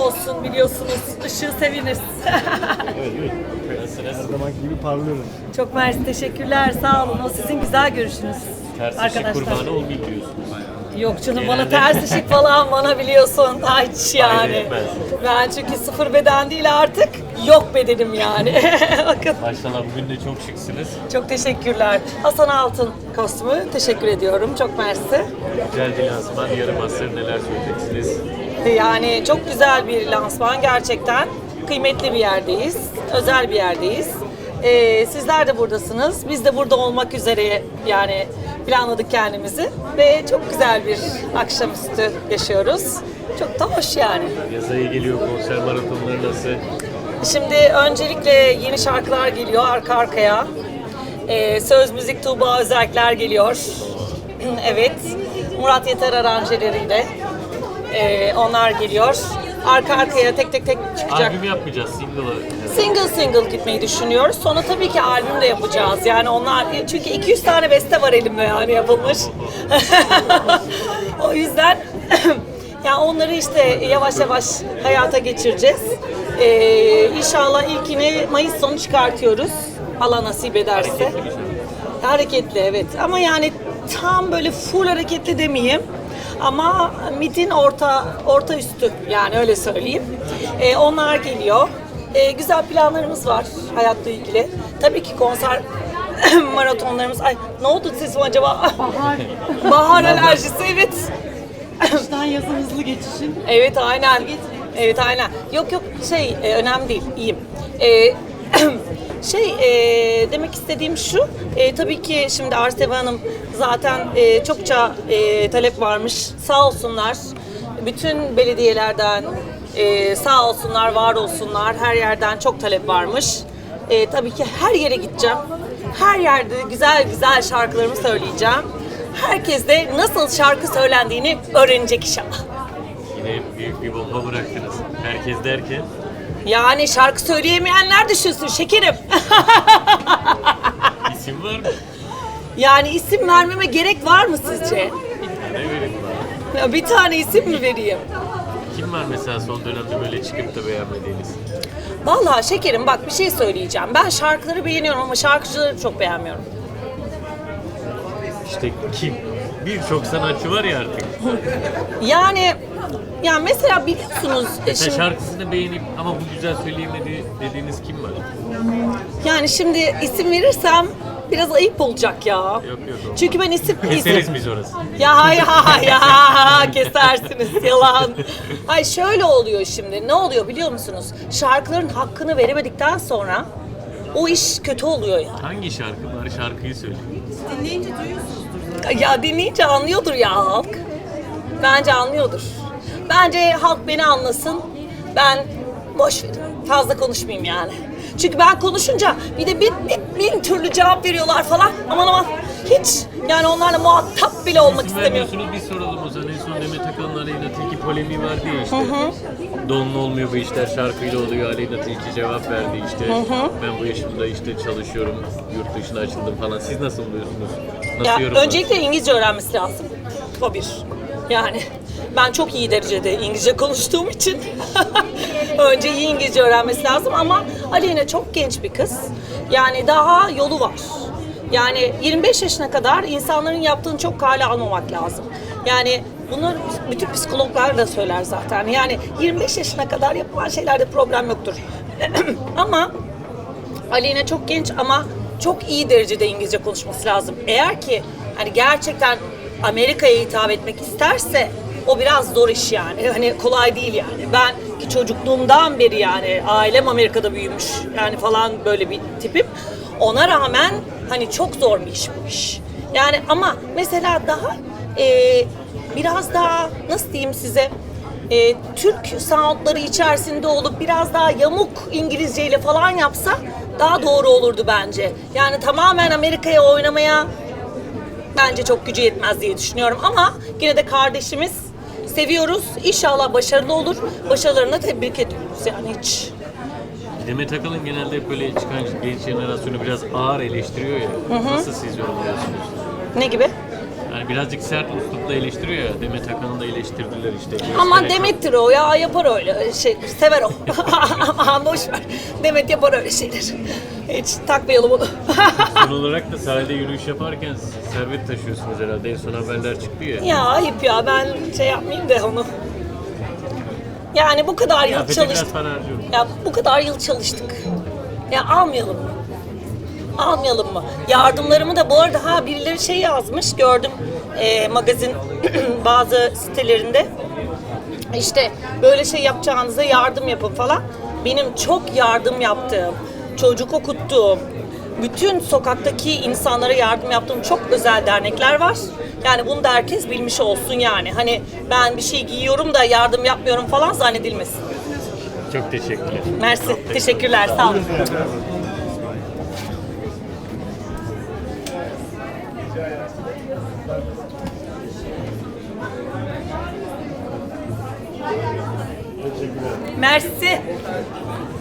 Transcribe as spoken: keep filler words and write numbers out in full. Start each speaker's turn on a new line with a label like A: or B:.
A: olsun biliyorsunuz. Işığı seviniz.
B: Evet, evet. Her zamanki gibi parlıyorum.
A: Çok mersi, teşekkürler. Sağ olun. O sizin güzel görüşünüz.
C: Ters ışık
A: Arkadaşlar.
C: kurbanı olmayayım diyorsun.
A: Yok canım,
C: Genelde-
A: bana ters ışık falan bana biliyorsun. Hiç yani.
C: Hayır, etmez.
A: Ben çünkü sıfır beden değil artık. Yok bedenim yani. Bakın.
C: Maşallah bugün de çok şıksınız.
A: Çok teşekkürler. Hasan Altın kostümü. Teşekkür ediyorum. Çok mersi.
C: Güzel bir lansman. Yarım asır neler söyleyeceksiniz?
A: Yani çok güzel bir lansman gerçekten. Kıymetli bir yerdeyiz. Özel bir yerdeyiz. Ee, sizler de buradasınız. Biz de burada olmak üzere yani planladık kendimizi. Ve çok güzel bir akşamüstü yaşıyoruz. Çok da hoş yani.
C: Yaz ayı geliyor, konser maratonları nasıl?
A: Şimdi öncelikle yeni şarkılar geliyor arka arkaya. Ee, söz, müzik, Tuğba Özerkler geliyor. Evet. Murat Yeter aranjeleriyle. Ee, onlar geliyor. Arka arkaya tek tek tek çıkacak.
C: Albüm yapmayacağız, single'ı.
A: Single single gitmeyi düşünüyoruz. Sonra tabii ki albüm de yapacağız. Yani onlar çünkü iki yüz tane beste var elimde yani yapılmış. O yüzden yani onları işte yavaş yavaş hayata geçireceğiz. Ee, İnşallah ilkini Mayıs sonu çıkartıyoruz. Allah nasip ederse.
C: Hareketli bir şey.
A: Hareketli evet ama yani tam böyle full hareketli demeyeyim. Ama midin orta orta üstü yani öyle söyleyeyim. Ee, onlar geliyor. Ee, güzel planlarımız var hayatla ilgili. Tabii ki konser maratonlarımız. Ay ne oldu sesim acaba?
D: Bahar,
A: Bahar alerjisi evet.
D: kıştan yaza hızlı geçişin.
A: Evet aynen. Evet aynen. Yok yok şey e, önemli değil. İyiyim. E, şey e, demek istediğim şu. E, tabii ki şimdi Arseve Hanım zaten e, çokça e, talep varmış. Sağ olsunlar. Bütün belediyelerden e, sağ olsunlar, var olsunlar. Her yerden çok talep varmış. E, tabii ki her yere gideceğim. Her yerde güzel güzel şarkılarımı söyleyeceğim. Herkes de nasıl şarkı söylendiğini öğrenecek inşallah.
C: Yine büyük bir bomba bıraktınız. Herkes derken,
A: Yani şarkı söyleyemeyenler düşünsün şekerim.
C: isim var mı?
A: Yani isim vermeme gerek var mı sizce?
C: Ne vereyim bana?
A: Ya bir tane isim mi vereyim?
C: Kim var mesela son dönemde böyle çıkıp da beğenmediğiniz?
A: Vallahi şekerim bak bir şey söyleyeceğim. Ben şarkıları beğeniyorum ama şarkıcıları çok beğenmiyorum.
C: İşte kim? Birçok sanatçı var ya artık.
A: Yani ya mesela biliyorsunuz e,
C: Mesela
A: şimdi,
C: şarkısını beğenip ama bu güzel söyleyemedi dediğiniz kim var?
A: yani şimdi isim verirsem biraz ayıp olacak ya.
C: Yok yok.
A: Çünkü ben isim
C: Keseriz
A: isim
C: biz orası.
A: Ya hay hay ya kesersiniz yalan. Ay şöyle oluyor şimdi. Ne oluyor biliyor musunuz? Şarkıların hakkını veremedikten sonra o iş kötü oluyor ya.
C: Hangi şarkı? Bari şarkıyı söyle.
D: Dinleyince duyuyorsunuzdur.
A: Ya dinleyince anlıyordur ya halk. Bence anlıyordur. Bence halk beni anlasın. Ben boş verin. Fazla konuşmayayım yani. Çünkü ben konuşunca bir de bin, bin, bin türlü cevap veriyorlar falan. Aman aman hiç yani onlarla muhatap bile olmak
C: İsim
A: istemiyorum.
C: vermiyorsunuz, bir soralım o zaman. En son Demet Akalın'la Aleyna Tilki polemiği vardı ya işte. Donlu olmuyor bu işler, şarkıyla oluyor. Aleyna Tilki cevap verdi işte. Ben bu yaşımda işte çalışıyorum, yurt dışına açıldım falan. Siz nasıl buluyorsunuz? Nasıl
A: Ya
C: yorumlarsınız?
A: öncelikle İngilizce öğrenmesi lazım. O bir. Yani ben çok iyi derecede İngilizce konuştuğum için önce iyi İngilizce öğrenmesi lazım ama Aleyna çok genç bir kız. Yani daha yolu var. Yani yirmi beş yaşına kadar insanların yaptığını çok kale almamak lazım. Yani bunu bütün psikologlar da söyler zaten. Yani yirmi beş yaşına kadar yapılan şeylerde problem yoktur. Ama Aleyna çok genç ama çok iyi derecede İngilizce konuşması lazım. Eğer ki hani gerçekten Amerika'ya hitap etmek isterse o biraz zor iş yani. Hani kolay değil yani. Ben ki çocukluğumdan beri yani ailem Amerika'da büyümüş yani falan böyle bir tipim. Ona rağmen hani çok zor bir iş bu iş. Yani ama mesela daha e, biraz daha nasıl diyeyim size e, Türk soundları içerisinde olup biraz daha yamuk İngilizceyle falan yapsa daha doğru olurdu bence. Yani tamamen Amerika'ya oynamaya bence çok gücü yetmez diye düşünüyorum ama yine de kardeşimiz seviyoruz. İnşallah başarılı olur. Başarılarına tebrik ediyoruz yani hiç.
C: Demet Akalın genelde hep böyle çıkan genç jenerasyonu biraz ağır eleştiriyor ya. Nasıl siz yorumluyorsunuz?
A: Ne gibi?
C: Yani birazcık sert üslupla eleştiriyor ya. Demet Akalın'ı da eleştirdiler işte.
A: Ama
C: Göstererek-
A: Demet'tir o ya, yapar öyle şey, sever o. Ama boş ver. Demet yapar öyle şeyler. Hiç takmayalım onu.
C: Son olarak da sahilde yürüyüş yaparken servet taşıyorsunuz herhalde. En son haberler çıktı ya.
A: Ya ayıp ya, ben şey yapmayayım da onu. Yani bu kadar yıl
C: Kıyafete biraz
A: çalıştık.
C: para harcıyorum.
A: Ya bu kadar yıl çalıştık. Ya almayalım mı? Almayalım mı? Yardımlarımı da bu arada ha birileri şey yazmış gördüm e, magazin bazı sitelerinde. İşte böyle şey yapacağınıza yardım yapın falan. Benim çok yardım yaptığım, çocuk okuttuğum, bütün sokaktaki insanlara yardım yaptığım çok özel dernekler var. Yani bunu da herkes bilmiş olsun yani. Hani ben bir şey giyiyorum da yardım yapmıyorum falan zannedilmesin.
C: Çok teşekkürler.
A: Mersi, teşekkürler, sağ olun. Mersi.